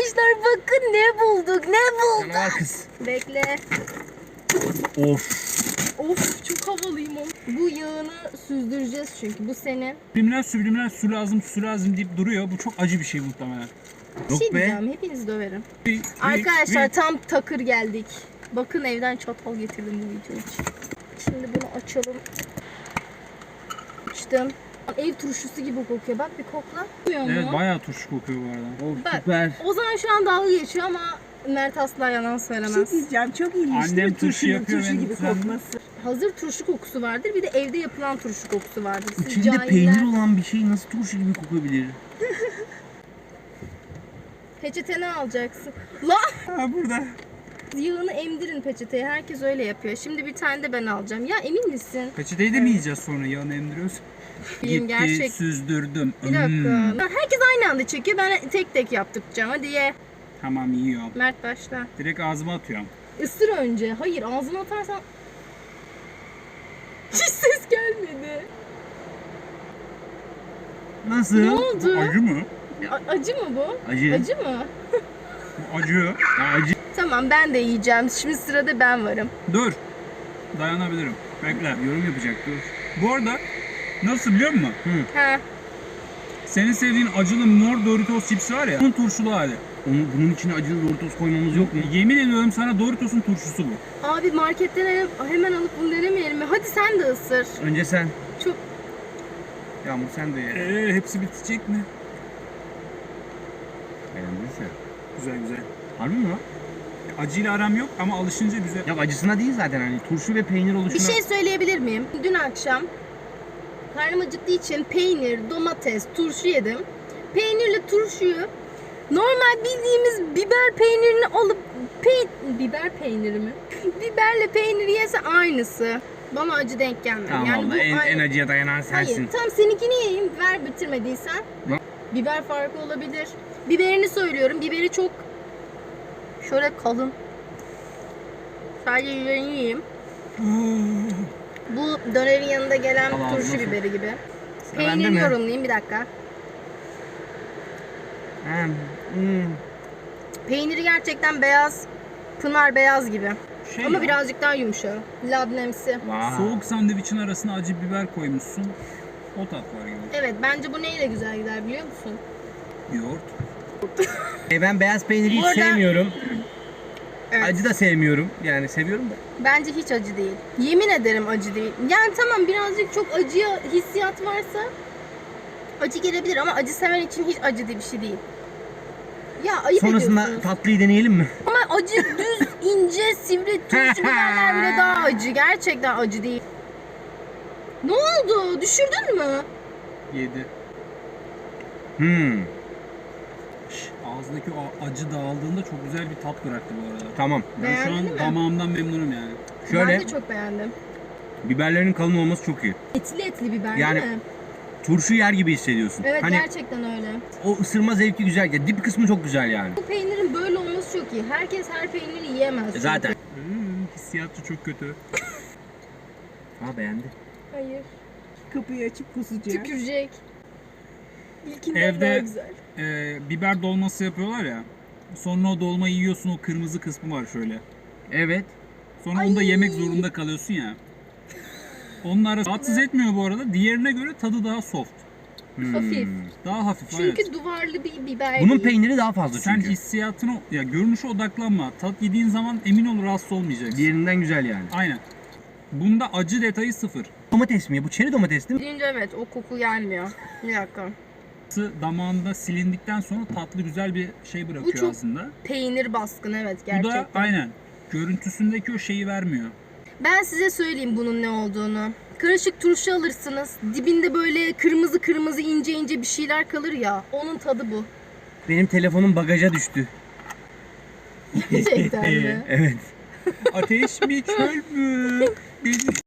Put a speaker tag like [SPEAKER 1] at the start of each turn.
[SPEAKER 1] Arkadaşlar bakın ne bulduk, ne bulduk.
[SPEAKER 2] Canavar kız.
[SPEAKER 1] Bekle.
[SPEAKER 2] Of.
[SPEAKER 1] Of çok havalıyım o. Bu yağını süzdüreceğiz çünkü bu senin.
[SPEAKER 3] Subliminal su lazım deyip duruyor. Bu çok acı bir şey muhtemelen.
[SPEAKER 1] Bir şey
[SPEAKER 2] Yok be.
[SPEAKER 1] diyeceğim, hepinizi döverim. Arkadaşlar tam takır geldik. Bakın evden çatal getirdim bu video için. Şimdi bunu açalım. Açtım. Ev turşusu gibi kokuyor. Bak bir kokla.
[SPEAKER 3] Evet bayağı turşu kokuyor bu arada.
[SPEAKER 2] Of
[SPEAKER 1] Bak,
[SPEAKER 2] süper.
[SPEAKER 1] Ozan şu an dalga geçiyor ama Mert asla yalan
[SPEAKER 4] Bir
[SPEAKER 1] söylemez.
[SPEAKER 4] şey diyeceğim, çok ilginç
[SPEAKER 3] Annem
[SPEAKER 4] değil mi?
[SPEAKER 3] turşu
[SPEAKER 4] Turşunun
[SPEAKER 3] yapıyor,
[SPEAKER 4] turşu
[SPEAKER 3] ben
[SPEAKER 4] gibi
[SPEAKER 3] sen-
[SPEAKER 4] kokması.
[SPEAKER 1] Hazır turşu kokusu vardır, bir de evde yapılan turşu kokusu vardır. Siz
[SPEAKER 2] İçinde
[SPEAKER 1] cahiller-
[SPEAKER 2] peynir olan bir şey nasıl turşu gibi kokabilir?
[SPEAKER 1] Peçeteni alacaksın. Lan!
[SPEAKER 3] Ha burada.
[SPEAKER 1] Yağını emdirin peçeteye. Herkes öyle yapıyor. Şimdi bir tane de ben alacağım. Ya emin misin?
[SPEAKER 3] Peçeteyi de mi yiyeceğiz sonra yağını emdiriyoruz?
[SPEAKER 1] Yiyeyim,
[SPEAKER 3] Gitti
[SPEAKER 1] gerçek.
[SPEAKER 3] süzdürdüm.
[SPEAKER 1] Bir dakika. Herkes aynı anda çekiyor. Ben tek tek yaptıracağım. Hadi ye.
[SPEAKER 3] Tamam yiyorum.
[SPEAKER 1] Mert başla.
[SPEAKER 3] Direkt ağzıma atıyorum.
[SPEAKER 1] Isır önce. Hayır ağzına atarsan... Hiç ses gelmedi.
[SPEAKER 2] Nasıl?
[SPEAKER 1] Ne oldu?
[SPEAKER 3] Acı mı?
[SPEAKER 1] Acı mı bu?
[SPEAKER 2] Acı.
[SPEAKER 1] Acı mı?
[SPEAKER 3] Bu acı.
[SPEAKER 2] Ya acı.
[SPEAKER 1] Tamam ben de yiyeceğim. Şimdi sırada ben varım.
[SPEAKER 3] Dur. Dayanabilirim. Bekle.
[SPEAKER 2] Yorum yapacak dur.
[SPEAKER 3] Bu arada nasıl biliyor musun?
[SPEAKER 1] Ha.
[SPEAKER 3] Senin sevdiğin acılı mor Doritos chipsi var ya. Bunun turşulu hali.
[SPEAKER 2] Bunun içine acılı Doritos koymamız yok mu?
[SPEAKER 3] Yemin ediyorum sana Doritos'un turşusu bu.
[SPEAKER 1] Abi marketten hemen alıp bunu denemeyelim mi? Hadi sen de ısır.
[SPEAKER 2] Önce sen.
[SPEAKER 1] Çok...
[SPEAKER 2] Yağmur sen de ye.
[SPEAKER 3] Hepsi bitecek mi?
[SPEAKER 2] Beğendiyse.
[SPEAKER 3] Güzel güzel.
[SPEAKER 2] Harbi mi lan?
[SPEAKER 3] Acıyla aram yok ama alışınca güzel.
[SPEAKER 2] Ya acısına değil zaten hani turşu ve peynir
[SPEAKER 1] Bir
[SPEAKER 2] oluşuna.
[SPEAKER 1] şey söyleyebilir miyim? Dün akşam karnım acıktığı için peynir, domates, turşu yedim. Peynirle turşuyu normal bildiğimiz biber peynirini alıp biber peyniri mi? Biberle peyniri yese aynısı. Bana acı denk gelmedi.
[SPEAKER 2] Tamam
[SPEAKER 1] yani
[SPEAKER 2] valla en acıya dayanan sensin.
[SPEAKER 1] Hayır, tam seninkini yiyeyim. Ver bitirmediysen.
[SPEAKER 2] Lan.
[SPEAKER 1] Biber farkı olabilir. Biberini söylüyorum. Biberi çok şöyle kalın. Sadece biberini yiyeyim. Bu dönerin yanında gelen
[SPEAKER 2] Allah
[SPEAKER 1] turşu
[SPEAKER 2] ağzına
[SPEAKER 1] biberi gibi.
[SPEAKER 2] Sıra bende
[SPEAKER 1] Peynirini
[SPEAKER 2] mi?
[SPEAKER 1] yorumlayayım bir dakika. Peyniri gerçekten beyaz. Pınar beyaz gibi. Ama
[SPEAKER 3] ya,
[SPEAKER 1] birazcık daha yumuşak. Labnemsi.
[SPEAKER 2] Vay.
[SPEAKER 3] soğuk sandviçin arasına acı biber koymuşsun. O tat var gibi.
[SPEAKER 1] Evet bence bu neyle güzel gider biliyor musun?
[SPEAKER 3] Yoğurt.
[SPEAKER 2] Ben beyaz peyniri hiç
[SPEAKER 1] Bu arada-
[SPEAKER 2] sevmiyorum.
[SPEAKER 1] Evet.
[SPEAKER 2] Acı da sevmiyorum. Yani seviyorum da.
[SPEAKER 1] Bence hiç acı değil. Yemin ederim acı değil. Yani tamam birazcık çok acıya hissiyat varsa acı gelebilir ama acı seven için hiç acı diye bir şey değil. Ya ayıp
[SPEAKER 2] Sonrasında
[SPEAKER 1] ediyorsunuz.
[SPEAKER 2] tatlıyı deneyelim mi?
[SPEAKER 1] Ama acı düz, ince, sivri turşu biberler bile daha acı. Gerçekten acı değil. Ne oldu? Düşürdün mü?
[SPEAKER 3] Yedi. Ağızdaki o acı dağıldığında çok güzel bir tat bıraktı bu arada.
[SPEAKER 2] Tamam.
[SPEAKER 3] Ben şu
[SPEAKER 1] Beğendin
[SPEAKER 3] an
[SPEAKER 1] mi?
[SPEAKER 3] damağımdan memnunum yani.
[SPEAKER 2] Şöyle
[SPEAKER 1] Ben de çok beğendim.
[SPEAKER 2] biberlerin kalın olması çok iyi.
[SPEAKER 1] Etli etli biber
[SPEAKER 2] Yani-
[SPEAKER 1] değil mi?
[SPEAKER 2] Turşu yer gibi hissediyorsun.
[SPEAKER 1] Evet
[SPEAKER 2] Hani
[SPEAKER 1] gerçekten öyle.
[SPEAKER 2] o ısırma zevki güzel. Ya dip kısmı çok güzel yani.
[SPEAKER 1] Bu peynirin böyle olması çok iyi. Herkes her peyniri yiyemez. çünkü.
[SPEAKER 2] Zaten.
[SPEAKER 3] Hissiyatı çok kötü.
[SPEAKER 2] Ha beğendi.
[SPEAKER 1] Hayır.
[SPEAKER 4] Kapıyı açıp kusacak.
[SPEAKER 1] Tükürecek. İlkinden
[SPEAKER 3] Evde-
[SPEAKER 1] daha güzel.
[SPEAKER 3] Biber dolması yapıyorlar ya. Sonra o dolmayı yiyorsun, o kırmızı kısmı var şöyle.
[SPEAKER 2] Evet.
[SPEAKER 3] Sonra onu da yemek zorunda kalıyorsun ya. Onun arası rahatsız etmiyor bu arada. Diğerine göre tadı daha soft.
[SPEAKER 1] Hafif.
[SPEAKER 3] Daha hafif.
[SPEAKER 1] Çünkü
[SPEAKER 3] evet.
[SPEAKER 1] duvarlı bir biber
[SPEAKER 2] Bunun
[SPEAKER 1] değil.
[SPEAKER 2] peyniri daha fazla
[SPEAKER 3] Sen
[SPEAKER 2] çünkü.
[SPEAKER 3] hissiyatına, ya görünüşe odaklanma. Tat yediğin zaman emin ol rahatsız olmayacaksın.
[SPEAKER 2] Diğerinden güzel yani.
[SPEAKER 3] Aynen. Bunda acı detayı sıfır.
[SPEAKER 2] Domates mi? Bu çeri domates değil mi?
[SPEAKER 1] Birinci evet o koku gelmiyor. Bir dakika.
[SPEAKER 3] Damağında silindikten sonra tatlı güzel bir şey bırakıyor
[SPEAKER 1] çok
[SPEAKER 3] aslında.
[SPEAKER 1] Peynir baskın evet
[SPEAKER 3] Bu
[SPEAKER 1] gerçekten.
[SPEAKER 3] da aynen. Görüntüsündeki o şeyi vermiyor.
[SPEAKER 1] Ben size söyleyeyim bunun ne olduğunu. Karışık turşu alırsınız. Dibinde böyle kırmızı kırmızı ince ince bir şeyler kalır ya. Onun tadı bu.
[SPEAKER 2] Benim telefonum bagaja düştü.
[SPEAKER 1] Gerçekten mi?
[SPEAKER 2] Evet.
[SPEAKER 3] Ateş mi çöl mü? Beni